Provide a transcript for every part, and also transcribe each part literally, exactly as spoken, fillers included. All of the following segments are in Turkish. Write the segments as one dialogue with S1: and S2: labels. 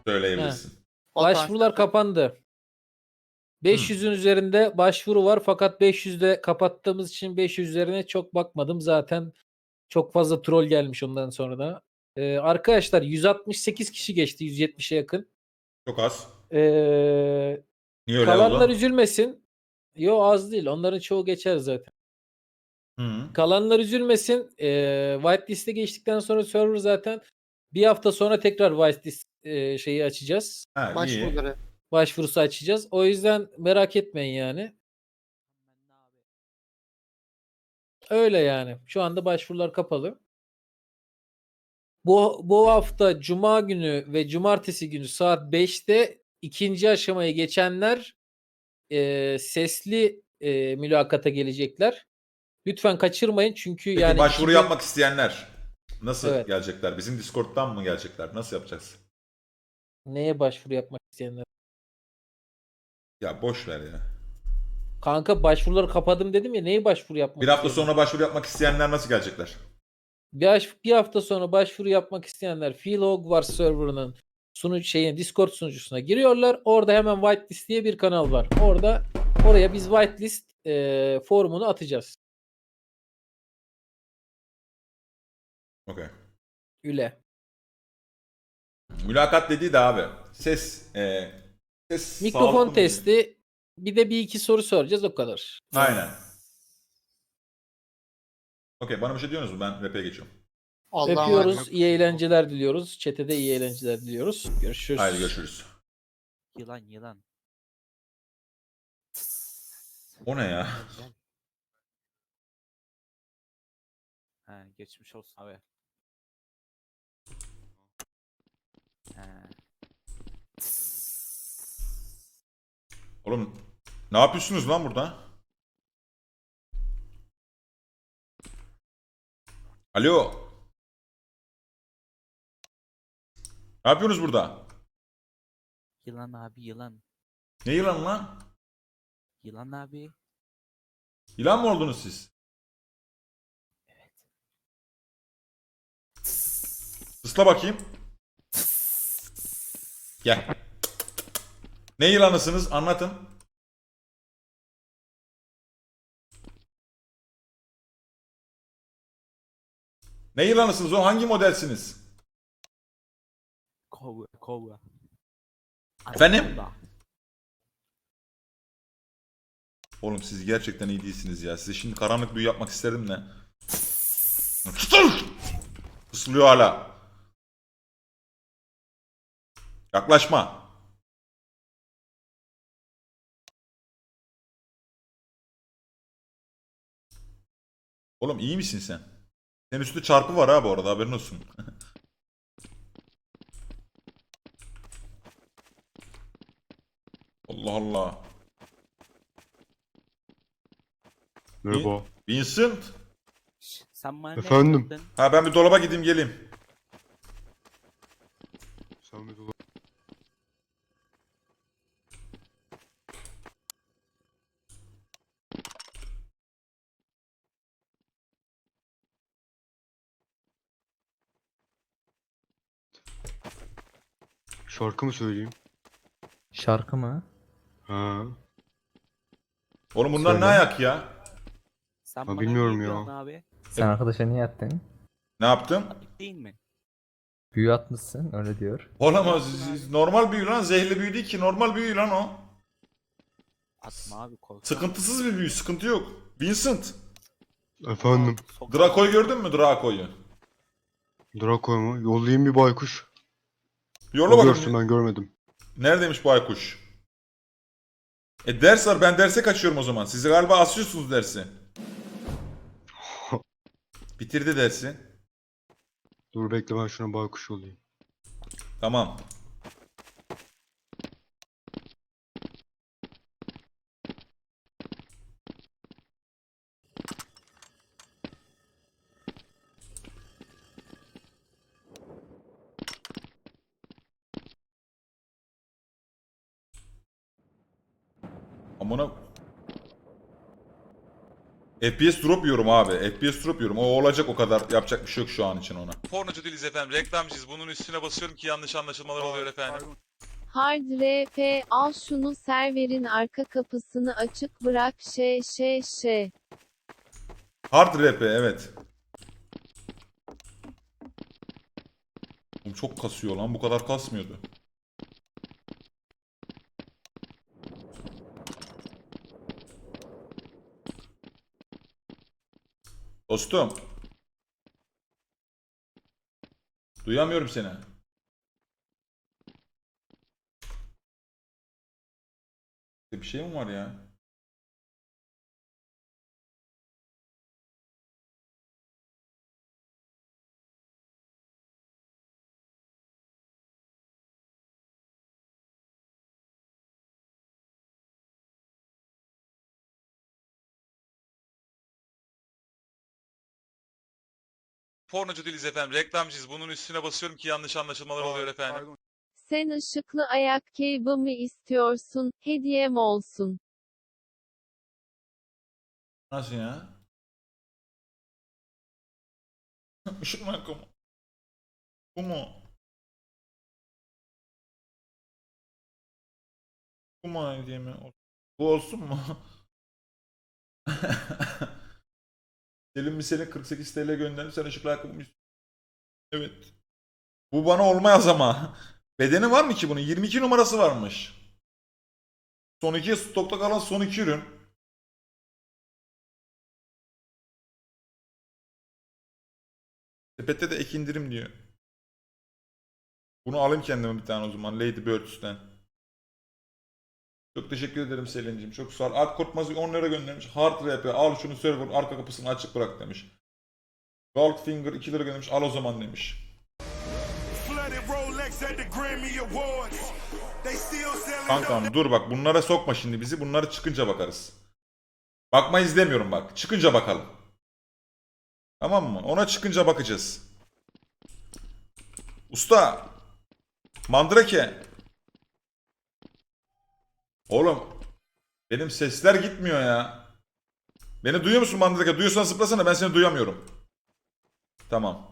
S1: He.
S2: Söyleyebilirsin.
S1: Başvurular kapandı. beş yüzün üzerinde başvuru var fakat beş yüzde kapattığımız için beş yüz üzerine çok bakmadım. Zaten çok fazla troll gelmiş ondan sonra da. Ee, arkadaşlar yüz altmış sekiz kişi geçti, yüz yetmişe yakın.
S2: Çok az.
S1: Ee,
S2: Niye öyle
S1: kalanlar
S2: oldu?
S1: üzülmesin. Yo, az değil. Onların çoğu geçer zaten.
S2: Hı.
S1: Kalanlar üzülmesin. Ee, whitelist'e geçtikten sonra server zaten bir hafta sonra tekrar whitelist e, şeyi açacağız.
S2: Ha, iyi.
S3: Başvuruları.
S1: Başvurusu açacağız. O yüzden merak etmeyin yani. Öyle yani. Şu anda başvurular kapalı. Bu bu hafta Cuma günü ve Cumartesi günü saat beşte ikinci aşamaya geçenler e, sesli e, mülakata gelecekler. Lütfen kaçırmayın çünkü
S2: Peki
S1: yani
S2: başvuru
S1: iki gün
S2: yapmak isteyenler nasıl
S1: Evet.
S2: gelecekler? Bizim Discord'dan mı gelecekler? Nasıl yapacağız?
S1: Neye başvuru yapmak isteyenler?
S2: Ya boş ver ya.
S1: Kanka başvuruları kapadım dedim ya, neye başvuru
S2: Bir
S1: yapmak
S2: hafta
S1: isteyenler?
S2: sonra başvuru yapmak isteyenler nasıl gelecekler?
S1: Bir, haş- bir hafta sonra başvuru yapmak isteyenler Phil Hogwarts serverının sunucu şeyin Discord sunucusuna giriyorlar. Orada hemen whitelist diye bir kanal var. Orada oraya biz whitelist e, formunu atacağız.
S2: Okey.
S1: Üle.
S2: Mülakat dediği de abi. Ses, e, ses
S1: Mikrofon
S2: sağlıklı mı diye.
S1: testi, bir de bir iki soru soracağız, o kadar.
S2: Aynen. Okey, bana bir şey diyorsunuz mu? Ben rap'e geçiyorum.
S3: Allah'a
S1: Öpüyoruz.
S3: emanet.
S1: İyi eğlenceler diliyoruz. Chat'e de iyi eğlenceler diliyoruz. Görüşürüz.
S2: Haydi görüşürüz.
S4: Yılan yılan.
S2: O ne ya?
S4: Gel, gel. Ha, geçmiş olsun abi. Ha.
S2: Oğlum ne yapıyorsunuz lan burada? Alo. Ne yapıyorsunuz burada?
S4: Yılan abi yılan.
S2: Ne yılan lan?
S4: Yılan abi.
S2: Yılan mı oldunuz siz? Isla bakayım. Gel. Ne yılanısınız? Anlatın. Ne yılanısınız o? Hangi modelsiniz?
S4: Kova kova.
S2: Efendim?
S4: Anaconda.
S2: Oğlum siz gerçekten iyi değilsiniz ya. Size şimdi karanlık büyü yapmak isterdim de. Fısıl! Fısıldıyor hala. Yaklaşma. Oğlum iyi misin sen? Senin üstünde çarpı var ha bu arada, haberin olsun. Allah Allah.
S5: Merhaba.
S2: Vincent.
S4: Şş, Sen bana ne
S5: Efendim?
S4: diyordun?
S2: Ha ben bir dolaba gideyim geleyim.
S5: Sen bir dola- Şarkı mı söyleyeyim?
S6: Şarkı mı?
S5: Ha.
S2: Oğlum bunlar
S5: Söyle.
S2: ne ayak ya?
S4: Sen
S5: Ha,
S4: bana
S5: bilmiyorum
S4: ne
S5: ya.
S4: diyorsun abi?
S6: Sen arkadaşa niye attın?
S2: Ne yaptım?
S4: Ayıp değil mi?
S6: Büyü atmışsın öyle diyor.
S2: Olamaz. Normal büyü lan. Zehirli büyü değil ki. Normal büyü lan o.
S4: Atma abi korkma.
S2: Sıkıntısız bir büyü. Sıkıntı yok. Vincent.
S5: Efendim.
S2: Draco'yu gördün mü Draco'yu?
S5: Draco mu? Yollayayım bir baykuş.
S2: Yolla
S5: O görsün,
S2: bakayım.
S5: ben görmedim.
S2: Neredeymiş baykuş? E ders var. Ben derse kaçıyorum o zaman. Siz galiba asıyorsunuz dersi. Bitirdi dersi.
S5: Dur bekle, ben şuna baykuş yollayayım.
S2: Tamam. Amına... F P S drop yiyorum abi. F P S drop yiyorum. O olacak o kadar. Yapacak bir şey yok şu an için ona. Pornocu değiliz efendim. Reklamcıyız. Bunun üstüne basıyorum ki yanlış anlaşılmalar oluyor efendim.
S3: Hard R P al şunu serverin arka kapısını açık bırak şey şey şey.
S2: Hard R P evet. Oğlum çok kasıyor lan. Bu kadar kasmıyordu. Dostum. Duyamıyorum seni. Bir şey mi var ya? Pornocu değiliz efendim. Reklamcıyız. Bunun üstüne basıyorum ki yanlış anlaşılmalar oluyor efendim.
S3: Sen ışıklı ayak keybamı istiyorsun, hediyem olsun.
S2: Nasıl ya? Işık mı ayakkabı? Bu mu? Bu mu hediye mi? Bu olsun mu? Selim mi seni kırk sekiz T L gönderdim. Sen ışıklı ayakkabı mı istiyorsun? Evet. Bu bana olmaz ama. Bedeni var mı ki bunun? yirmi iki numarası varmış. Son iki stokta kalan son iki ürün. Sepette de ek indirim diyor. Bunu alayım kendime bir tane o zaman. Lady Birds'ten. Çok teşekkür ederim Selin'cim. Çok sağ ol. Art Korkmaz on lira göndermiş. Hard R P al şunu server arka kapısını açık bırak demiş. Goldfinger iki lira göndermiş. Al o zaman demiş. Kankam dur bak bunlara sokma şimdi bizi. Bunları çıkınca bakarız. Bakma izlemiyorum bak. Çıkınca bakalım. Tamam mı? Ona çıkınca bakacağız. Usta. Mandrake. Oğlum. Benim sesler gitmiyor ya. Beni duyuyor musun Mandrake? Duyuyorsan zıplasana, ben seni duyamıyorum. Tamam.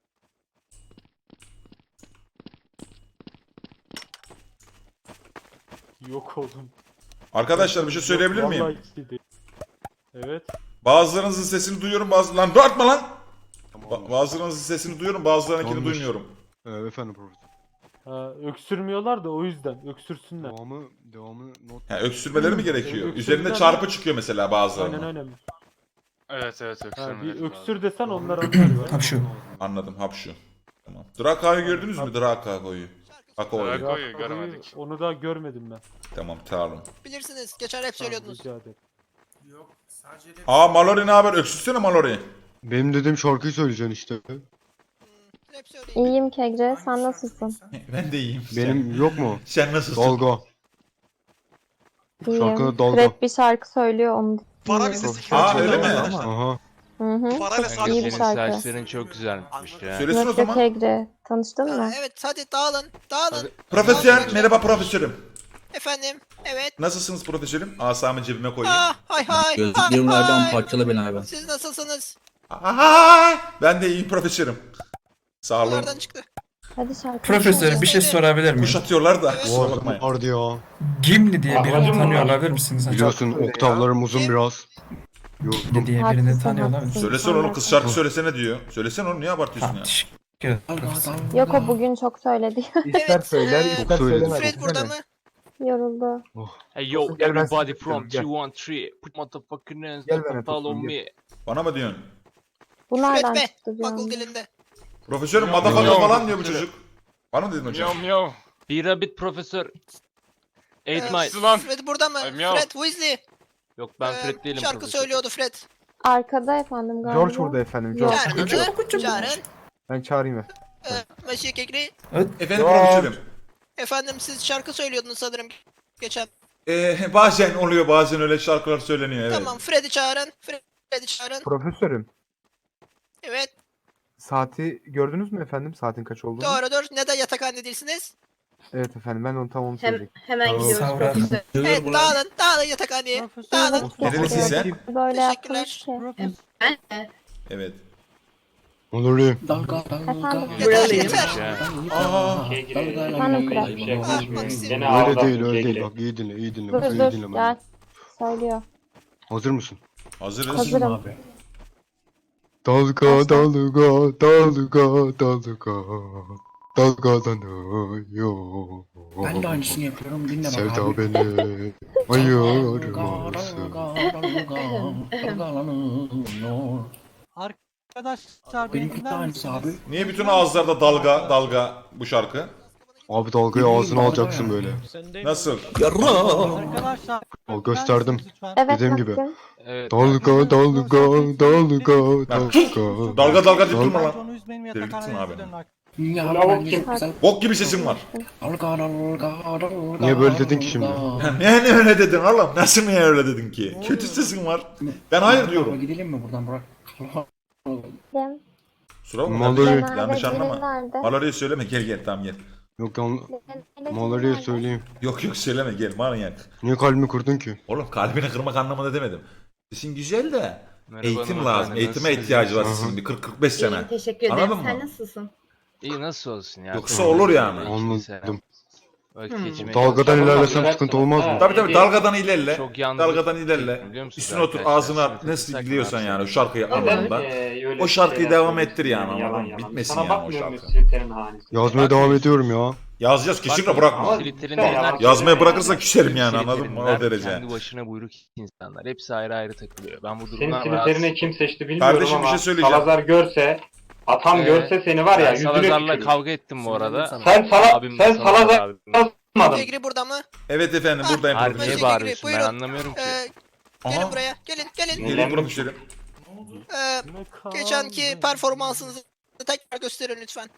S7: Yok oldum.
S2: Arkadaşlar bir şey söyleyebilir
S7: Yok,
S2: miyim?
S7: vallahi ciddi. Evet.
S2: Bazılarınızın sesini duyuyorum, bazı lan dörtme lan. Ba- bazılarınızın sesini duyuyorum, bazılarınınkini
S5: Yanlış.
S2: duymuyorum.
S5: Ee, efendim profesör.
S7: Ha, öksürmüyorlar da o yüzden. Öksürsünler.
S5: Devamı, devamı not.
S2: Ha, öksürmeleri mi gerekiyor?
S7: Öksürmeler-
S2: Üzerinde çarpı çıkıyor mesela
S7: Aynen
S2: bazılarının.
S7: aynen.
S8: Evet evet
S7: Ha,
S8: öksürmeleri
S7: bir
S8: lazım.
S7: öksür desen onlar anlar.
S9: Tabii şu.
S2: Anladım, hapşu. Tamam. Draka'yı gördünüz mü? Drako'yu. Drako'yu.
S8: Drako'yu göremedik.
S7: Onu da görmedim ben.
S2: Tamam, tamam.
S10: Bilirsiniz. Geçen hep söylüyordunuz.
S7: Rica ederim.
S2: Aa Mallory ne haber? Öksürsene Mallory.
S5: Benim dediğim şarkıyı söyleyeceksin işte.
S10: Hep söyleyin.
S3: İyiyim Kegre, sen nasılsın?
S2: Ben de iyiyim.
S5: Benim yok mu?
S2: Sen nasılsın?
S5: Dalga. Şarkıda
S3: İyiyim.
S5: dalga.
S3: Fred bir şarkı söylüyor, onu
S10: Para
S3: dinliyorum.
S10: listesi
S2: Aa öyle mi?
S5: Aha.
S3: Hı hı.
S10: Para ve
S3: İyi bir
S10: saç.
S3: şarkı.
S8: çok güzelmiş ya.
S2: Söylesin o
S3: Yok yok
S2: zaman.
S3: Kegre, tanıştın
S10: Ha,
S3: mı?
S10: evet hadi dağılın. Dağılın.
S2: Profesör, merhaba profesörüm.
S10: Efendim. Evet.
S2: Nasılsınız profesörüm? Asamı cebime koyayım.
S10: Ah, hay hay.
S9: Gözlüklerim
S10: hay,
S9: nereden
S10: hay.
S9: parçala beni abi.
S10: Siz nasılsınız?
S2: Aha! Ben de iyiyim profesörüm. Sağ olun.
S10: Bunlardan çıktı.
S3: Hadi şarkı.
S9: Profesör bir şey sorabilir miyim?
S2: Kuşatıyorlar da
S10: Evet.
S2: kusura
S5: Bu
S2: bakmayın.
S5: vardı ya.
S9: Gimli diye birini tanıyor olabilir misiniz?
S5: Biliyorsun oktavlarım uzun biraz. Yok.
S9: Gimli diye birini
S3: Haklısın,
S9: tanıyor olabilir
S3: haklısın.
S9: misiniz?
S2: Söylesene oğlum kız şarkı söylesene diyor. Söylesene oğlum niye abartıyorsun
S9: Tamam
S2: ya?
S9: teşekkür ederim profesör.
S3: Yok o bugün çok söyledi.
S10: Evet.
S6: söyler,
S10: e,
S5: Çok söyledim.
S10: Fred burada mı?
S3: Yoruldu.
S8: Hey yo
S6: Gel ben
S8: everybody
S6: sana
S8: from
S6: gel.
S8: two one three put motherfucking hands
S6: Gel
S8: up
S6: ben
S8: and follow
S6: yapayım,
S8: me.
S2: Bana mı diyorsun?
S3: Bu nereden
S10: Fred be.
S3: çıktı diyorum.
S10: Bakıl dilinde.
S2: Profesörüm
S8: Yok,
S2: madafaka
S8: yok.
S2: falan diyor bu çocuk. Bana mı dedin hocam?
S8: Miyav miyav. Bir rabbit profesör. Eight
S10: Ee,
S8: mice.
S10: Fred burada mı?
S8: Ay, miyav.
S10: Fred Weasley.
S8: Yok ben
S10: Ee,
S8: Fred değilim
S10: Şarkı
S8: profesör.
S10: söylüyordu Fred.
S3: Arkada efendim galiba.
S6: George burada efendim. George.
S10: Çağırın. Çağırın.
S6: Ben çağırayım efendim.
S10: Ee, Monsieur Kekri.
S2: Efendim profesörüm.
S10: Efendim siz şarkı söylüyordunuz sanırım geçen.
S2: Ee, bazen oluyor bazen öyle şarkılar söyleniyor evet.
S10: Tamam Fred'i çağırın. Fred'i çağırın.
S6: Profesörüm.
S10: Evet.
S6: Saati gördünüz mü efendim? Saatin kaç olduğunu?
S10: Doğrudur. Neden yatakhanede değilsiniz?
S6: Evet efendim ben onu tam onu
S11: Hem,
S6: söyleyecektim.
S11: hemen
S9: Tamam,
S11: gidiyoruz
S9: sağ ol, Rahat.
S11: profesör.
S10: Evet dağılın dağılın yatakhaneye. Dağılın.
S2: Nerelisin sen?
S3: Böyle
S10: Teşekkürler.
S11: Ben de.
S2: Evet.
S5: Onurluyum.
S10: Yeter yeter.
S2: Aa,
S10: Ah, Maxim.
S5: Öyle değil öyle değil. Bak iyi dinle iyi dinle. Bak, iyi dinle beni.
S3: söylüyor.
S5: Hazır mısın?
S2: hazırız.
S3: Hazırım.
S5: Dalga dalga dalga dalga dalgalanıyor.
S9: Ben de aynısını yapıyorum. Dinle bak
S5: Sevda
S9: abi.
S5: beni ayırmasın.
S4: Arkadaşlar
S9: Benimki de aynısı abi.
S2: Niye bütün ağızlarda dalga dalga bu şarkı?
S5: Abi dalgayı ağzına alacaksın böyle.
S2: Nasıl?
S4: Arkadaşlar
S5: Al gösterdim.
S3: Evet
S5: Dediğim gibi.
S8: Evet.
S5: Dalga dalga dalga dalga.
S2: Dalga dalga deyip durma lan.
S4: onu üzmeyin ve
S2: Delirttin
S4: yatakhaneye
S2: abi.
S4: dönün artık.
S9: Ya ben de-
S2: Bok gibi sesin var.
S9: Dalga dalga dalga.
S5: Niye böyle dedin ki şimdi?
S2: Ne ne öyle dedin oğlum? Nasıl niye öyle dedin ki? Kötü sesin var. Ben hayır diyorum.
S9: Gidelim mi buradan Burak?
S2: Sura mı?
S5: Mallory.
S2: Yanlış anlama. Mallory'e söyleme gel gel tamam gel.
S5: Yok yan Mallory'e söyleyeyim.
S2: Yok yok söyleme gel manyak.
S5: Niye kalbimi kırdın ki?
S2: Oğlum kalbini kırmak anlamında demedim. Sesin güzel de
S8: Merhaba
S2: eğitim
S8: hanımefendi,
S2: lazım. Eğitime
S8: nasılsınız?
S2: ihtiyacı var
S5: Hı hı.
S2: sizin bir kırk kırk beş sene.
S11: İyiyim, teşekkür ederim.
S2: Anladın
S11: Sen
S2: mı?
S11: nasılsın?
S8: İyi nasıl olsun ya.
S2: Yoksa olur yani.
S5: Anladım.
S8: Vakit geçirmeye
S5: Dalgadan
S8: çalışıyorum.
S5: ilerlesem sıkıntı olmaz mı?
S2: Tabii tabii dalgadan ilerle.
S8: Çok yanlış.
S2: Dalgadan ilerle.
S8: Biliyor musunuz
S2: Üstüne otur
S8: arkadaşlar?
S2: ağzına
S8: Sınıfı
S2: nasıl
S8: sakın
S2: biliyorsan
S8: abi.
S2: yani o şarkıyı anlamında. O şarkıyı devam ettir yani anladın mı? Bitmesin yani o şarkı.
S5: Yazmaya devam ediyorum ya.
S2: Yazacağız kesinlikle bırakma.
S8: Twitter'in dinler-
S2: Yazmaya bırakırsa küserim yani
S8: Twitter'in
S2: anladın mı? O
S8: dinler,
S2: derece.
S8: Kendi başına buyruk insanlar. Hepsi ayrı ayrı takılıyor. Ben bu
S12: Senin
S8: durumdan
S12: Twitter'ine kim seçti bilmiyorum
S2: Kardeşim, bir
S12: ama
S2: şey söyleyeceğim.
S12: Salazar görse, atam
S8: Ee,
S12: görse seni var ya
S8: Ben
S12: yüzüne
S8: Salazar'la
S12: tükürür.
S8: kavga ettim bu arada.
S12: Sen Sala
S8: Abim
S12: sen
S8: Salazar
S12: Salazar
S8: abim.
S12: yazmadın.
S10: Tegri burada mı?
S2: Evet efendim buradayım
S8: Hayır
S2: profesör.
S8: niye
S10: Teşekkür
S8: bağırıyorsun ben
S10: buyurun.
S8: anlamıyorum ki.
S10: Ee, gelin
S2: Aha.
S10: buraya. Gelin gelin.
S2: Gelin profesörüm.
S10: Ee, geçenki performansınızı tekrar gösterin lütfen.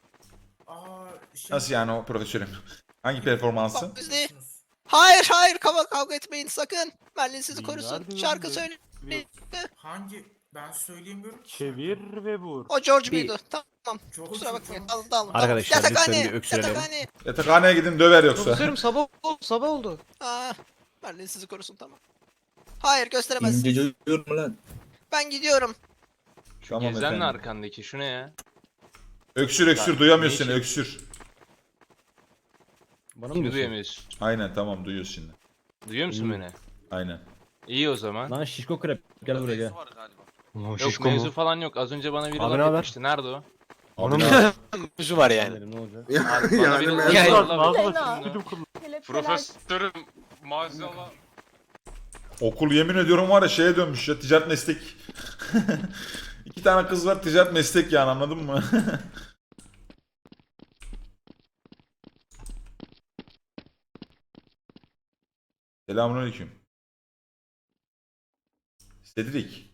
S2: Nasıl yani o profesörüm? Hangi performansı?
S10: Bak bizde. Hayır hayır kavga kavga etmeyin sakın. Merlin sizi korusun. Şarkı söyle.
S13: Hangi? Ben söyleyemiyorum ki.
S7: Çevir ve vur.
S10: O George B'ydi. Tamam. Kusura bakmayın. Dalın dalın. Arkadaşlar yatakhaneye. Yatakhaneye.
S2: Yatakhaneye gidin döver yoksa.
S10: sabah oldu. Sabah oldu. Aa, Merlin sizi korusun tamam. Hayır gösteremezsiniz. Ben gidiyorum.
S2: Tamam
S8: Gezen
S2: efendim.
S8: arkandaki şu ne ya?
S2: Öksür öksür
S8: Ya,
S2: duyamıyorsun
S8: ne işin?
S2: öksür.
S1: Bana mı
S8: Şimdi
S1: diyorsun?
S8: duyamıyorsun.
S2: Aynen tamam duyuyorsun şimdi.
S8: Duyuyor musun
S1: Hmm.
S8: beni?
S2: Aynen.
S8: İyi o zaman.
S1: Lan şişko krep gel buraya gel.
S5: Ulan
S8: Yok
S5: şişko
S8: mevzu
S5: mu?
S8: falan yok. Az önce bana biri
S1: Abi ne
S8: laf
S1: haber?
S8: etmişti. Nerede o?
S2: Abi,
S8: Mevzu var
S1: Dedim, ne olacak?
S8: Abi bana biri laf
S7: Yani,
S8: laf
S7: ağzına
S8: etmişti.
S7: sıçtım kullan.
S8: Profesörüm maazallah.
S2: okul yemin ediyorum var ya şeye dönmüş ya ticaret meslek. İki tane kız var ticaret meslek yani anladın mı? Selamünaleyküm. Cedric.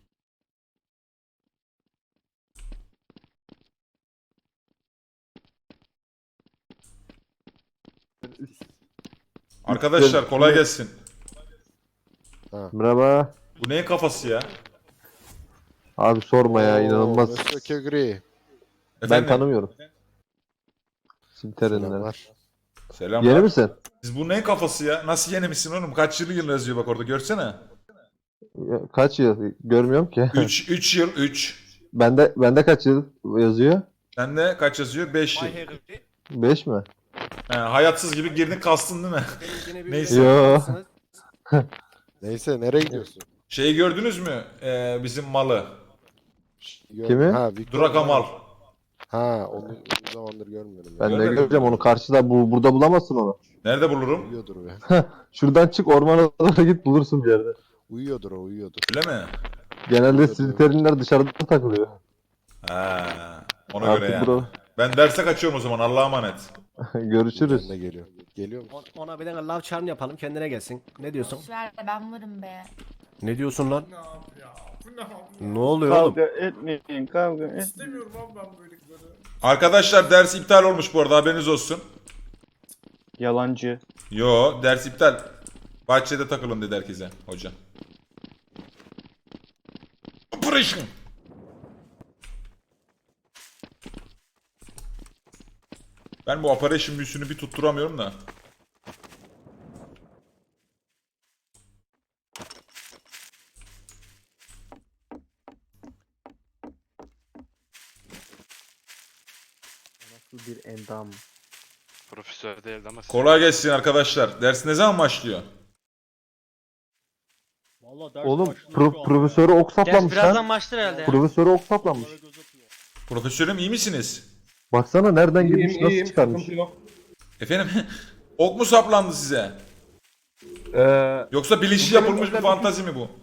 S2: Arkadaşlar kolay gelsin.
S6: Merhaba.
S2: Bu neyin kafası ya?
S6: Abi sorma ya inanılmaz.
S2: Efendim?
S6: Ben tanımıyorum. Simterinden.
S2: Selamlar.
S6: Yeni misin?
S2: Siz bu neyin kafası ya? Nasıl yeni misin oğlum? Kaç yılı yıl yazıyor bak orada görsene.
S6: Ya, kaç yıl? Görmüyorum ki.
S2: üç üç yıl üç.
S6: bende bende kaç yıl yazıyor?
S2: Sende kaç yazıyor? beş yıl.
S6: beş mi?
S2: He, hayatsız gibi girdin kastın değil mi? Neyse.
S6: Yo.
S5: Neyse nereye gidiyorsun?
S2: Şeyi gördünüz mü? Ee, bizim malı.
S6: Kimi?
S2: Duraka mal.
S5: Ha onu uzun zamandır görmüyorum.
S6: Ben de
S2: Görmedim.
S6: göreceğim onu karşıda bu burada bulamazsın onu.
S2: Nerede bulurum?
S5: Uyuyordur be.
S6: Şuradan çık ormana doğru git bulursun bir yerde.
S5: Uyuyordur o uyuyordur.
S2: Öyle mi?
S6: Genelde Slytherinler dışarıda takılıyor.
S2: Ha, ona göre
S6: Artık
S2: yani.
S6: bura.
S2: Ben derse kaçıyorum o zaman. Allah'a emanet.
S6: Görüşürüz.
S5: Ne geliyor? Geliyor mu?
S13: Ona bir tane love charm yapalım kendine gelsin. Ne diyorsun?
S11: Ver ben varım be.
S13: Ne diyorsun lan?
S7: Ne abi ya? Bu ne abi ya?
S13: Ne oluyor oğlum?
S6: etmeyin kavga
S7: İstemiyorum abi ben böyle kızları.
S2: Arkadaşlar ders iptal olmuş bu arada haberiniz olsun.
S6: Yalancı.
S2: Yo ders iptal. Bahçede takılın dedi herkese hoca. Operation. Ben bu operation büyüsünü bir tutturamıyorum da.
S6: Nasıl bir endam.
S8: Profesör değildi ama.
S2: Kolay gelsin arkadaşlar. Ders ne zaman başlıyor?
S6: Oğlum pro- profesörü ok saplamış
S4: birazdan
S6: lan.
S4: başlar herhalde.
S6: Profesörü ok saplanmış.
S2: Profesörüm iyi misiniz?
S6: Baksana nereden girmiş nasıl çıkarmış.
S2: Efendim ok mu saplandı size?
S6: Ee,
S2: Yoksa bilinçli yapılmış bir fantazi mi bu?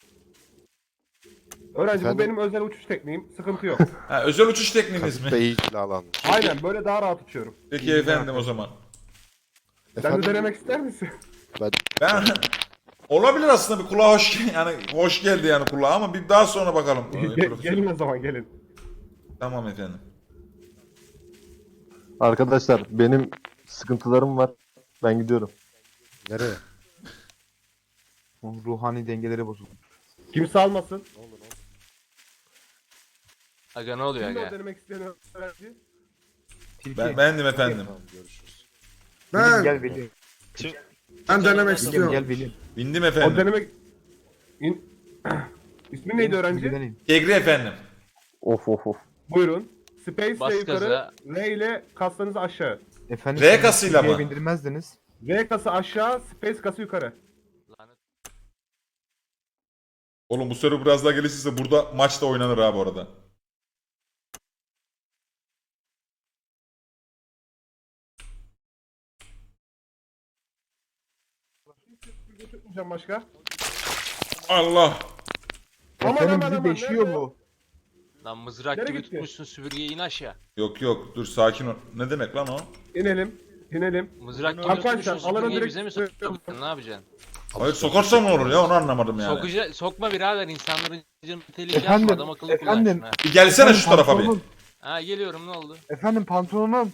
S5: Öğrenci bu benim
S7: özel uçuş tekniğim. Sıkıntı yok.
S2: Ha, özel uçuş tekniğiniz mi?
S5: beyin alan.
S7: Aynen böyle daha rahat uçuyorum.
S2: Peki efendim o zaman.
S5: Efendim,
S7: ister misin?
S2: Ben olabilir aslında bir kulağa hoş yani hoş geldi yani kulağa ama bir daha sonra bakalım. Ee, profesör.
S7: o zaman gelin.
S2: Tamam efendim.
S6: arkadaşlar benim sıkıntılarım var. Ben gidiyorum.
S5: nereye?
S6: Ruhani dengeleri bozuldu.
S7: Kimse almasın.
S8: Aga ne oluyor aga?
S7: denemek isteyen öğrenci?
S2: Ben beğendim efendim.
S5: Tamam görüşürüz.
S7: Ben,
S6: Gel Veli.
S7: ben denemek istiyorum.
S6: Gel Veli.
S2: Bindim
S7: O
S2: efendim.
S7: denemek... İn... İsmi neydi öğrenci?
S2: Egri efendim.
S6: Of of of.
S7: Buyurun. Space
S8: Bas
S7: ile yukarı,
S8: gaza.
S7: R ile kaslarınızı aşağı.
S6: Efendim,
S2: R kasıyla mı?
S6: bindirmezdiniz.
S7: R kası aşağı, space kası yukarı.
S8: Lanet.
S2: Oğlum bu soru biraz daha gelişirse burada maç da oynanır ha bu arada.
S7: Tutmayacağım başka.
S2: Allah.
S7: Aman aman aman. nerede?
S6: bu.
S8: Lan mızrak
S7: Nereye
S8: gibi
S7: gitti?
S8: tutmuşsun süpürgeyi in aşağı.
S2: Yok yok dur sakin ol. Ne demek lan o?
S7: İnelim. İnelim.
S8: Mızrak gibi
S7: Arkadaşlar,
S8: tutmuşsun
S7: alana
S8: süpürgeyi
S7: direkt-
S8: bize mi sokacaksın? Ne yapacaksın?
S2: Hayır sokarsam ne olur ya onu anlamadım yani.
S8: Sokuca, sokma birader insanların canını tehlikeye
S6: Efendim,
S8: atma adam akıllı
S6: efendim.
S8: kullansın ha.
S2: Bir gelsene şu tarafa bir.
S8: Ha geliyorum ne oldu?
S6: Efendim pantolonum.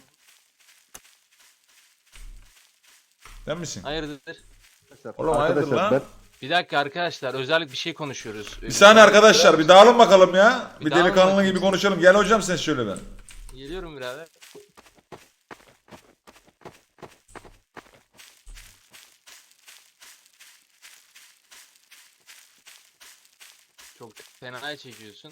S2: Sen misin?
S8: Hayırdır?
S2: Oğlum hayırdır lan?
S6: ben
S8: Bir dakika arkadaşlar özellik bir şey konuşuyoruz.
S2: Bir saniye arkadaşlar bir dağılın bakalım ya.
S8: Bir
S2: Bir
S8: dağılın
S2: delikanlı
S8: bakayım.
S2: gibi konuşalım. Gel hocam sen şöyle ben.
S8: Geliyorum birader. Çok fena çekiyorsun.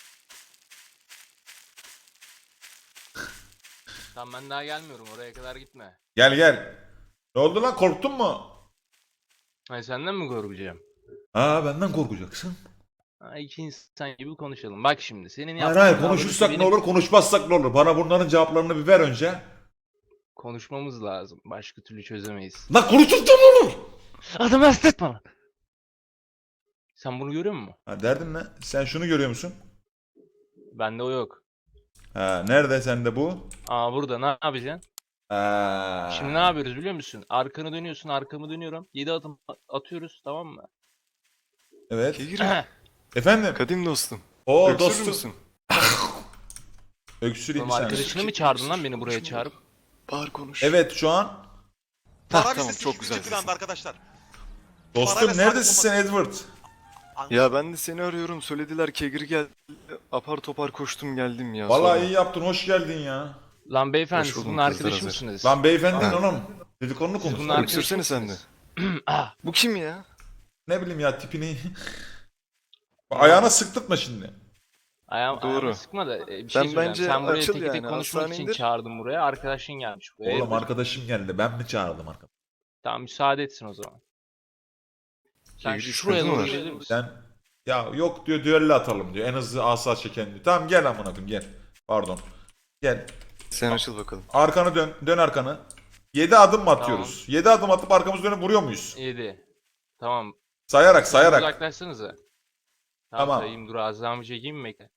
S8: Tamam ben daha gelmiyorum oraya kadar gitme.
S2: Gel gel. Ne oldu lan korktun mu?
S8: Hayır senden mi korkacağım?
S2: Aa benden korkacaksın.
S8: Ha, iki insan gibi konuşalım. Bak şimdi senin
S2: Hayır
S8: yaptığın
S2: hayır
S8: davranışı
S2: konuşursak ne
S8: benim-
S2: olur konuşmazsak ne olur. Bana bunların cevaplarını bir ver önce.
S8: Konuşmamız lazım. Başka türlü çözemeyiz.
S2: Lan konuşursak ne olur?
S8: Adamı hasta etme lan. Sen bunu görüyor musun?
S2: Ha derdin ne? Sen şunu görüyor musun?
S8: Bende o yok.
S2: Ha nerede sende bu?
S8: Aa burada ne yapacaksın?
S2: Ha.
S8: Şimdi ne yapıyoruz biliyor musun? Arkanı dönüyorsun, arkamı dönüyorum. yedi adım atıyoruz tamam mı?
S2: Evet. Efendim?
S6: Kadim dostum.
S2: O dostum. Öksüreyim
S8: Oğlum
S2: bir saniye.
S8: arkadaşını mı çağırdın lan beni buraya çağırıp?
S6: Bağır konuş.
S2: Evet şu an.
S6: Tamam çok güzel.
S12: arkadaşlar.
S2: Dostum neredesin sen Edward?
S6: Ya ben de seni arıyorum. Söylediler Kegri geldi. Apar topar koştum geldim ya.
S2: Vallahi iyi yaptın hoş geldin ya.
S8: Lan beyefendi
S6: Hoş
S8: siz
S6: buldum,
S8: bunun
S6: kızlar
S8: arkadaşı
S6: hazır.
S8: mısınız?
S2: Lan beyefendi oğlum. Dedikodunu konuş.
S8: bunlar-
S6: Öksürsene sen de.
S8: Ah,
S6: Bu kim ya?
S2: Ne bileyim ya tipini. Ayağına sıktırtma şimdi.
S8: ayağım,
S6: Doğru.
S8: ayağımı sıkma da e, bir şey
S6: Ben
S8: söyleyeceğim.
S6: bence
S8: Sen buraya
S6: açıl
S8: tek tek
S6: yani,
S8: konuşmak için
S6: hastanedir.
S8: çağırdın buraya. Arkadaşın gelmiş buraya.
S2: Oğlum
S8: Hayırdır?
S2: arkadaşım geldi. Ben mi çağırdım arkadaş?
S8: Tamam müsaade etsin o zaman. Sen
S6: Kegri
S8: şuraya
S6: sıkıntı
S8: doğru
S6: var.
S8: gelir misin?
S2: Sen ya yok diyor düello atalım diyor. En hızlı asa çeken diyor. Tamam gel amına koyayım gel. Pardon. Gel.
S6: Sen açıl bakalım.
S2: Arkanı dön. Dön arkanı. yedi adım mı atıyoruz? yedi adım atıp arkamızı dönüp vuruyor muyuz?
S8: yedi. Tamam.
S2: Sayarak sayarak.
S8: Uzaklaşsanıza. Tamam,
S2: Tamam.
S8: sayayım dur ağzımı çekeyim mi bekle.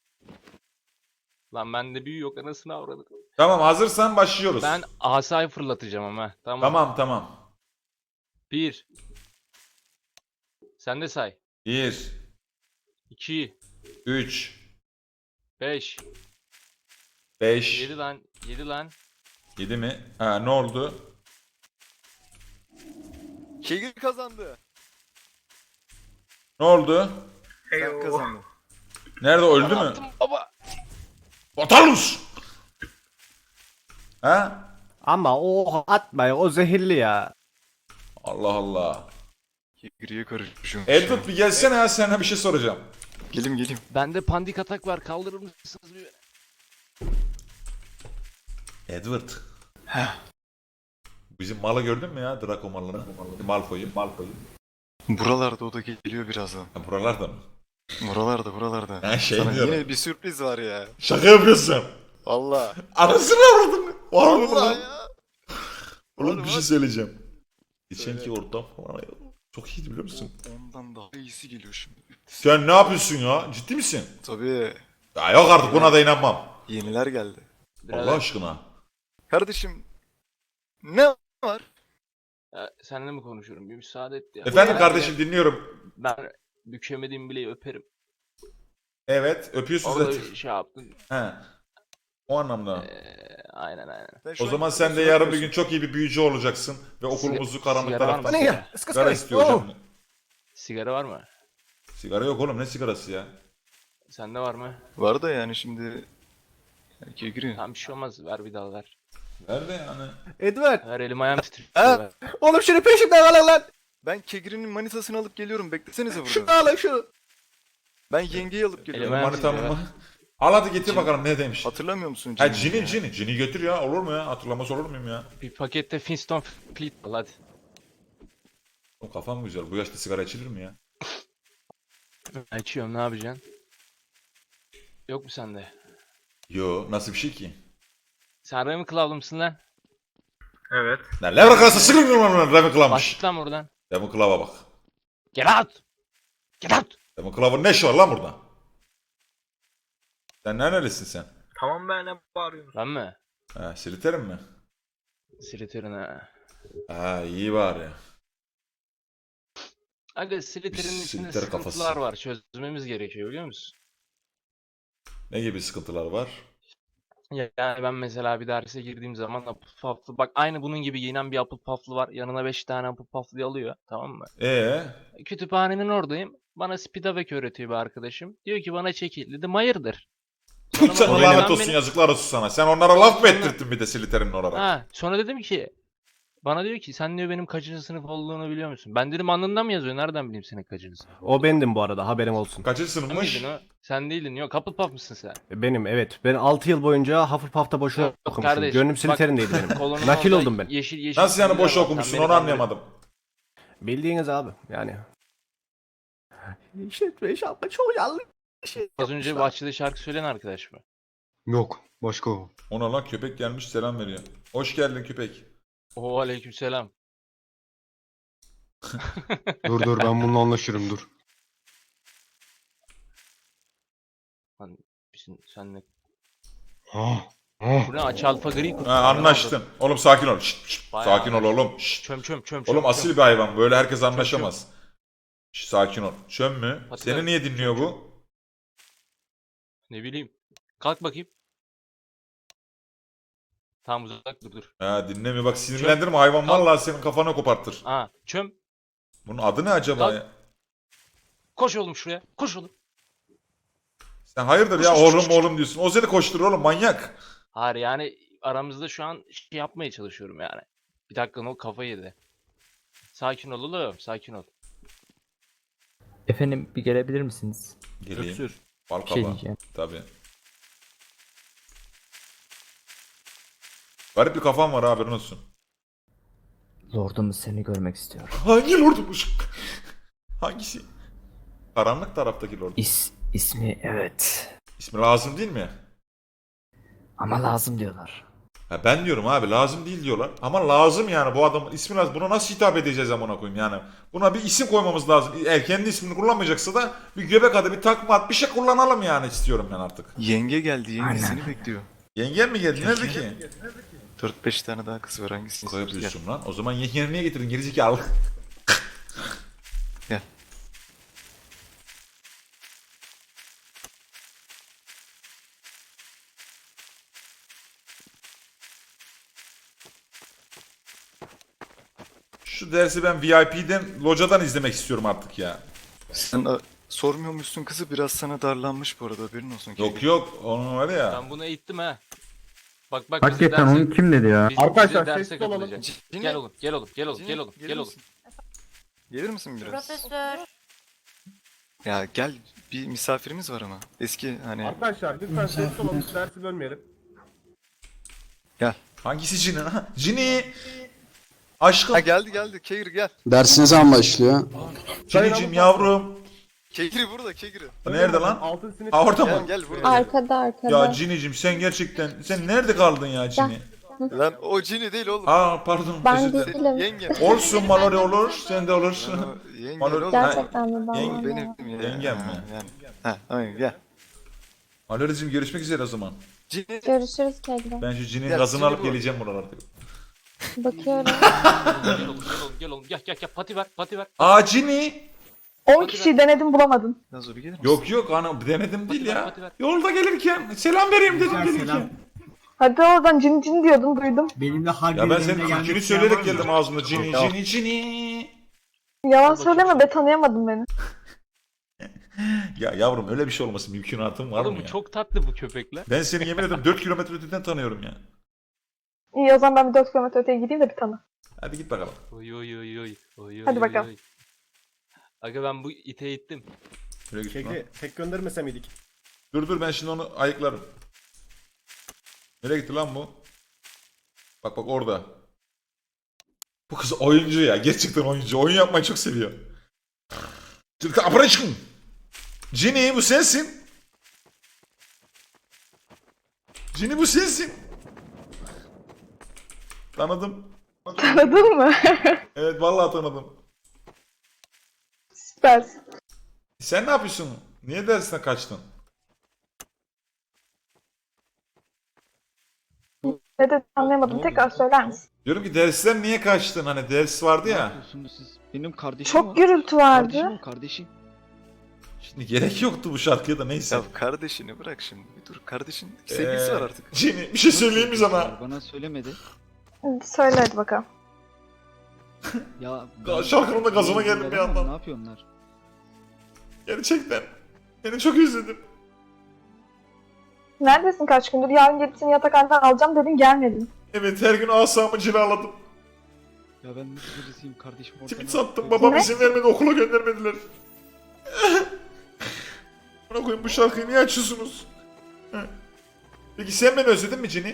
S8: Lan bende büyü yok anasını avradım.
S2: Tamam hazırsan başlıyoruz.
S8: Ben asayı fırlatacağım ama. Tamam.
S2: Tamam tamam.
S8: Bir. Sen de say.
S2: bir,
S8: İki.
S2: üç,
S8: Beş.
S2: beş,
S8: Yedi lan. Yedi lan.
S2: yedi mi? Ha ne oldu?
S6: Kegri kazandı.
S2: Ne oldu?
S6: Sen kazandın.
S2: Nerede öldü mü?
S8: Baba.
S2: Batalus! Ha?
S13: Ama o atma ya, o zehirli ya.
S2: Allah Allah.
S6: Kegri'ye karışmışım.
S2: Edward bir gelsene ya, sana bir şey soracağım.
S6: Gelim gelim.
S8: Bende pandik atak var. Kaldırır mısınız bir?
S2: Edward. Bizim malı gördün mü ya? Draco malını. Malfoy'u. Malfoy'u.
S6: Buralarda o da geliyor birazdan.
S2: Ha, buralarda mı?
S6: Buralarda buralarda.
S2: Ha, şey
S6: Sana
S2: diyorum.
S6: yine bir sürpriz var ya.
S2: Şaka yapıyorsun.
S6: Valla.
S2: Anasını avradın. Var mı
S6: Valla
S2: lan?
S6: ya.
S2: Oğlum
S6: Var,
S2: bir şey
S6: var.
S2: söyleyeceğim. Geçenki
S6: Söyle.
S2: ortam falan çok iyiydi biliyor musun?
S6: Ondan daha iyisi geliyor şimdi.
S2: Sen ne yapıyorsun ya? Ciddi misin?
S6: Tabii.
S2: Ya yok artık, buna da inanmam.
S6: Yeniler geldi.
S2: Allah aşkına.
S6: Kardeşim. Ne var?
S8: Ya, seninle mi konuşuyorum? Bir müsaade et ya.
S2: Efendim
S8: Ben-
S2: kardeşim, dinliyorum.
S8: Ben bükemediğim bileği öperim.
S2: Evet, öpüyorsun
S8: Orada
S2: zaten.
S8: bir şey yaptın.
S2: He. O anlamda.
S8: Ee, aynen aynen.
S6: Ben şu
S2: O
S6: an
S2: zaman
S6: sana
S2: sen de yarın bir
S6: söylüyorsun.
S2: gün çok iyi bir büyücü olacaksın ve okulumuzu
S8: Siga-
S2: karanlık
S8: sigara var mı?
S2: taraftan
S8: Ne
S13: ya?
S2: sigara istiyor hocam.
S8: Sigara var mı?
S2: Sigara yok oğlum, ne sigarası ya?
S8: Sende var mı?
S6: Var da yani şimdi. Yani Kegri.
S8: Tamam bir şey olmaz. Ver bir daha ver.
S2: Nerede yani?
S13: Edward.
S8: Ver elim ayağım titriyor.
S6: Ha?
S8: ver.
S13: Oğlum şunu peşimden alın lan.
S6: Ben Kegri'nin manitasını alıp geliyorum. Beklesenize
S13: Şunu
S6: burada.
S13: alın şunu.
S6: Ben yengeyi alıp geliyorum.
S8: Elime-
S2: Manitam
S8: sigara.
S2: mı? Al hadi getir bakalım ne demiş.
S6: Hatırlamıyor musun?
S2: Ha
S6: Cini?
S2: cini cini. Cini götür ya, olur mu ya? Hatırlamaz olur muyum ya?
S8: Bir pakette Flintstone Fleet al hadi.
S2: Oğlum kafam güzel. Bu yaşta sigara içilir mi ya?
S8: Açıyorum, ne yapacaksın? Yok mu sende?
S2: Yo, nasıl bir şey ki?
S8: Sen Ravenclaw'lı mısın lan?
S7: Evet.
S2: Lan Lever Class'a sıkılmıyor mu lan Ravenclaw'mış?
S8: Başlık lan buradan.
S2: Ravenclaw'a bak.
S8: Get out! Get out!
S2: Ravenclaw'ın ne işi var lan burada? Sen nerelisin sen?
S7: Tamam ben ne bağırıyorum?
S8: Ben mi?
S2: Ha, Slytherin mi?
S8: Slytherin ha.
S2: Ha, iyi bari.
S8: Aga Slytherin'in
S2: Biz
S8: içinde
S2: Slytherin
S8: sıkıntılar
S2: kafası.
S8: var. Çözmemiz gerekiyor biliyor musun?
S2: Ne gibi sıkıntılar var?
S8: Ya- Yani ben mesela bir derse girdiğim zaman Apple Puff'lı, bak aynı bunun gibi giyinen bir Apple Puff'lı var. Yanına beş tane Apple Puff'lı alıyor, tamam mı?
S2: Ee,
S8: Kütüphanenin oradayım. Bana Spidavek öğretiyor bir arkadaşım. Diyor ki bana çekil. Dedim hayırdır? Sonra
S2: sana
S8: bana-
S2: lanet
S8: ben
S2: olsun,
S8: beni-
S2: yazıklar olsun sana. Sen onlara laf mı
S8: Sonra-
S2: ettirttin bir de Slytherin olarak?
S8: Ha, sonra dedim ki bana diyor ki sen diyor benim kaçıncı sınıf olduğunu biliyor musun? Ben dedim alnından mı yazıyor? Nereden bileyim senin kaçıncı sınıf?
S13: O bendim bu arada, haberin olsun.
S2: Kaçıncı
S8: Sen
S2: sınıfmış?
S8: miydin o? Sen değildin. Yok, Hufflepuff mısın sen?
S13: Benim, evet. Ben altı yıl boyunca Hufflepuff'ta boşuna
S8: Yok,
S13: okumuşum.
S8: kardeş,
S13: Gönlüm
S8: bak,
S13: Slytherin'deydi benim.
S8: Kolonun
S13: Nakil
S8: orada
S13: oldum ben.
S8: Yeşil, yeşil
S2: Nasıl yani
S8: çizgiler
S2: boş
S8: var. Sen
S2: okumuşsun,
S8: beni
S2: onu
S8: kandırıyorsun.
S2: anlayamadım.
S13: Bildiğiniz abi yani. İşletme şapka çok yanlış.
S8: Az önce bahçede şarkı söyleyen arkadaş mı?
S5: Yok. Başka o.
S2: Ona lan köpek gelmiş selam veriyor. Hoş geldin köpek.
S8: Oo aleykümselam.
S5: Dur dur ben bununla anlaşırım dur.
S8: Lan bizim senle.
S5: Ah. Ah.
S8: Bu ne, aç alfa gri kutu.
S2: Ha, anlaştın. Oğlum sakin ol. Şşt, şşt,
S8: Bayağı
S2: sakin ol oğlum. Şşt.
S8: Çöm çöm çöm çöm.
S2: Oğlum asil
S8: çöm.
S2: bir hayvan. Böyle herkes anlaşamaz. Şşt, sakin ol. Çöm mü?
S8: Hadi
S2: Seni
S8: lan.
S2: niye dinliyor bu?
S8: Ne bileyim. Kalk bakayım. Tamam uzak dur dur.
S2: Ha, dinlemiyor. Bak sinirlendirme hayvan. Vallahi senin kafanı kopartır.
S8: Aa çöm.
S2: Bunun adı ne acaba
S8: Lan.
S2: ya?
S8: Koş oğlum şuraya. Koş oğlum.
S2: Sen hayırdır ya
S8: Koş, koş,
S2: oğlum
S8: koş.
S2: oğlum diyorsun. O seni koşturur oğlum, manyak.
S8: Hayır yani aramızda şu an şey yapmaya çalışıyorum yani. Bir dakika, o kafa yedi. Sakin ol oğlum, sakin ol.
S9: Efendim bir gelebilir misiniz?
S2: Geleyim.
S13: Öksür.
S2: Bal
S9: Bir şey
S2: kabağı.
S9: diyeceğim.
S2: Tabii. Garip bir kafam var, haberin olsun.
S9: Lordumuz seni görmek istiyor.
S2: Hangi lordumuş? Hangisi? Karanlık taraftaki lord.
S9: İs, ismi evet.
S2: İsmi lazım değil mi?
S9: Ama lazım diyorlar.
S2: Ha, ben diyorum abi lazım değil diyorlar. Ama lazım yani, bu adamın ismi lazım. Buna nasıl hitap edeceğiz amına koyayım yani. Buna bir isim koymamız lazım. Eğer kendi ismini kullanmayacaksa da bir göbek adı, bir takma ad, bir şey kullanalım yani, istiyorum ben artık.
S6: Yenge geldi. Yenge
S9: Aynen.
S6: seni bekliyor.
S2: Yengen mi geldi? Nerede ki?
S6: dört beş tane daha kız var, hangisini
S2: Koy
S6: istiyorsun? Gel.
S2: yapıyorsun lan. O zaman yengeni niye getirdin gerizekalı?
S6: Gel.
S2: Şu dersi ben V I P'den, locadan izlemek istiyorum artık ya.
S6: Sen a, sormuyormuşsun kızı, biraz sana darlanmış bu arada, haberin olsun.
S2: Yok yok, onun var ya.
S8: Ben bunu eğittim ha. Bak bak bize derse,
S9: kim dedi ya?
S8: biz, bize
S7: Arkadaşlar,
S8: derse
S7: sessiz olalım.
S8: katılacak.
S6: Cini,
S8: Gel oğlum gel oğlum gel oğlum
S6: Cini,
S8: gel oğlum
S6: gelir
S8: gel oğlum.
S6: misin? Gelir misin biraz?
S11: Profesör.
S6: Ya gel, bir misafirimiz var ama. Eski hani...
S7: Arkadaşlar lütfen sessiz olalım. Dersi bölmeyelim.
S2: Hangisi Cini ha? Cini! Aşkım.
S6: Ha geldi geldi, Kegri gel.
S5: Dersiniz an başlıyor.
S2: Cinicim yavrum.
S6: Kegri burada, Kegri.
S2: Nerede lan?
S7: Altın sinir.
S2: Ha orada
S6: Gel
S2: mı?
S6: gel burada.
S3: Arkada arkada.
S2: Ya Cinicim sen gerçekten sen nerede kaldın ya Cini?
S6: Lan o Cini değil oğlum.
S2: Aa pardon özür dilerim.
S3: değilim.
S6: Yengem.
S2: Olsun Mallory olur sen de olursun.
S6: Lan o Yengem
S2: Mallory-
S6: oğlum.
S3: Gerçekten mi ben?
S2: Yenge-
S6: Benim ya.
S2: Yengem mi?
S6: Ha, Yani. Ha, aynen gel.
S2: Mallory'cim görüşmek üzere o zaman.
S6: Cini.
S3: Görüşürüz Kegri.
S2: Ben şu Cini'nin
S6: Ya,
S2: gazını
S6: Cini
S2: alıp
S6: bu.
S2: geleceğim buralarda.
S3: Bakıyorum.
S8: Gel oğlum gel oğlum gel oğlum gel gel gel pati ver pati ver.
S2: Aa Cini!
S3: on kişiyi denedim bulamadım.
S6: Nazo bir gelir misin?
S2: Yok yok ana denedim değil
S8: Hadi ver,
S2: ya.
S8: hadi ver.
S2: Yolda gelirken selam vereyim dedim gelirken.
S3: Hadi oradan cin cin diyordum duydum.
S7: Benim de harbi
S2: Ya ben senin Türkçünü söyleyerek geldim ağzımda Cini Cini Cini.
S3: Yalan söyleme be tanıyamadın beni.
S2: Ya yavrum öyle bir şey olması mümkünatım var
S8: Oğlum
S2: mı
S8: bu
S2: ya?
S8: çok tatlı bu köpekler.
S2: Ben seni yemin ederim dört kilometre öteden tanıyorum ya.
S3: İyi o zaman ben bir dört kilometre öteye gideyim de bir tanı.
S2: Hadi git bakalım.
S8: Oy oy oy oy. Oy,
S3: Hadi
S8: oy,
S3: bakalım.
S8: oy. Aga ben bu ite ittim.
S2: Şuraya git lan.
S13: Kegri tek göndermese miydik?
S2: Dur dur ben şimdi onu ayıklarım. Nereye gitti lan bu? Bak bak orada. Bu kız oyuncu ya. Gerçekten oyuncu. Oyun yapmayı çok seviyor. Türk Abraçkın. Cini bu sensin. Cini bu sensin. Tanıdım.
S3: Tanıdın mı?
S2: Evet vallahi tanıdım.
S3: Süpersin.
S2: Sen ne yapıyorsun? Niye dersine kaçtın?
S3: Ne de anlayamadım. Tekrar söyler misin?
S2: Diyorum ki dersten niye kaçtın? Hani ders vardı ya.
S9: Siz benim kardeşim
S3: Çok gürültü vardı.
S9: kardeşim.
S2: Şimdi gerek yoktu bu şarkıya da neyse.
S6: Ya kardeşini bırak şimdi. Bir dur, kardeşin sevgilisi
S2: Ee,
S6: var artık.
S2: Cini bir şey söyleyeyim mi sana?
S9: Bana söylemedi.
S3: Söyle hadi bakalım.
S9: Ya
S2: ben- Şarkının da gazına geldim bir yandan.
S9: Ne yapıyorlar?
S2: Gerçekten. Seni çok özledim.
S3: Neredesin kaç gündür? Yarın gelip seni yatakhaneden alacağım dedin gelmedin.
S2: Evet her gün asamı cilaladım.
S9: Ya ben nasıl birisiyim kardeşim orada.
S2: Simit sattım babam
S3: Ne?
S2: izin vermedi okula göndermediler. Buna koyayım bu şarkıyı niye açıyorsunuz? Heh. Peki sen beni özledin mi Cini?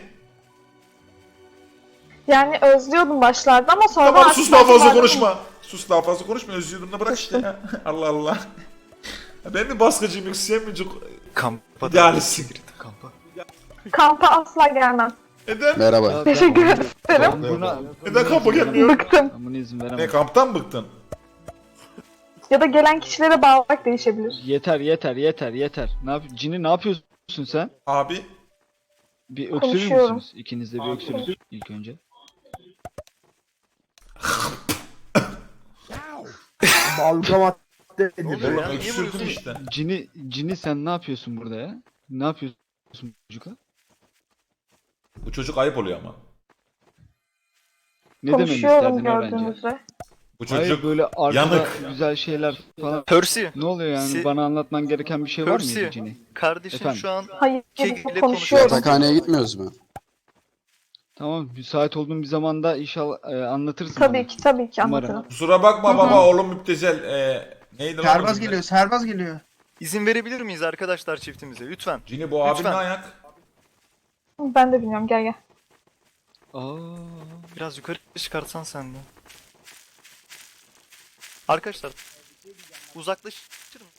S3: Yani özlüyordum başlarda ama sonra...
S2: Tamam
S3: artık
S2: sus daha fazla
S3: başlarda-
S2: konuşma. Sus daha fazla konuşma özlüyordum da bırak işte ya. Allah Allah. Ya ben mi baskıcıyım yoksa sen mi çok...
S6: Kampa
S2: İdealistsin.
S6: Kegri, kampa.
S3: Kampa asla gelmem.
S2: Neden?
S5: Merhaba.
S3: Teşekkür ederim.
S9: Buna,
S2: Neden kampa gelmiyor?
S3: Bıktım.
S9: ben buna izin
S2: Ne
S9: veremem.
S2: kamptan bıktın?
S3: Ya da gelen kişilere bağlarak değişebilir.
S9: Yeter yeter yeter yeter. Ne yap Cini ne yapıyorsun sen?
S2: Abi
S9: Bir öksürür
S3: Konuşuyorum.
S9: müsünüz? İkiniz de bir öksürün ilk önce.
S13: Balgamat
S6: Ne oluyor ya? Niye
S2: öksürdüm
S6: vuruyorsun?
S2: işte.
S9: Cini Cini sen ne yapıyorsun burada ya? Ne yapıyorsun çocukla?
S2: Bu çocuk ayıp oluyor ama.
S9: Ne dememi
S3: Konuşuyorum
S9: isterdin öğrenci?
S3: gördüğünüz üzere.
S2: Bu çocuk
S9: Hayır böyle arkada
S2: yanık.
S9: güzel şeyler falan.
S6: Percy,
S9: Ne oluyor yani?
S6: Si-
S9: Bana anlatman gereken bir şey var
S6: Percy.
S9: mıydı Cini?
S6: kardeşin
S9: Efendim?
S6: şu an
S3: Hayır
S6: Kegri'yle
S3: konuşuyorum.
S5: Yatakhaneye gitmiyoruz mu?
S9: Tamam müsait olduğum bir zamanda inşallah e, anlatırsın
S3: Tabii
S9: bana.
S3: ki tabii ki
S9: Umarım.
S3: anlatırım.
S2: Kusura bakma
S3: Hı hı.
S2: baba oğlum müptezel. Ee, neydi lan?
S13: Serbaz
S2: bizim de?
S13: geliyor, serbaz geliyor.
S6: izin verebilir miyiz arkadaşlar çiftimize? Lütfen.
S2: Cini bu abin
S6: Lütfen.
S2: ne ayak?
S3: Ben de bilmiyorum gel gel.
S9: Aa,
S6: Biraz yukarı çıkartsan sen de. Arkadaşlar uzaklaşır mı?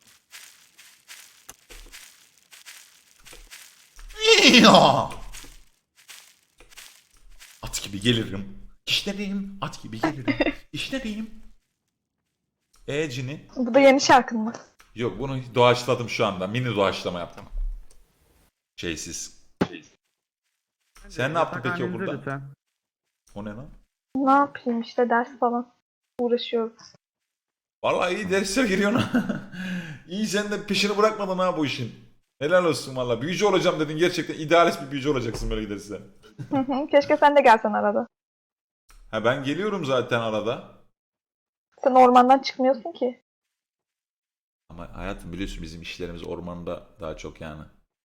S2: Ya! At gibi gelirim. İşlerim. At gibi gelirim. İşlerim. E Cini?
S3: Bu da yeni şarkın mı?
S2: Yok bunu doğaçladım şu anda. Mini doğaçlama yaptım. Şeysiz. Sen ne yaptın peki okulda? O ne lan?
S3: Ne yapayım işte ders falan. Uğraşıyorum.
S2: Vallahi iyi dersler giriyorsun. İyi sen de peşini bırakmadın ha bu işin. Helal olsun valla. Büyücü olacağım dedin. Gerçekten idealist bir büyücü olacaksın böyle gidersen.
S3: Keşke sen de gelsen arada.
S2: Ha ben geliyorum zaten arada.
S3: Sen ormandan çıkmıyorsun ki.
S2: Ama hayatım biliyorsun bizim işlerimiz ormanda daha çok yani.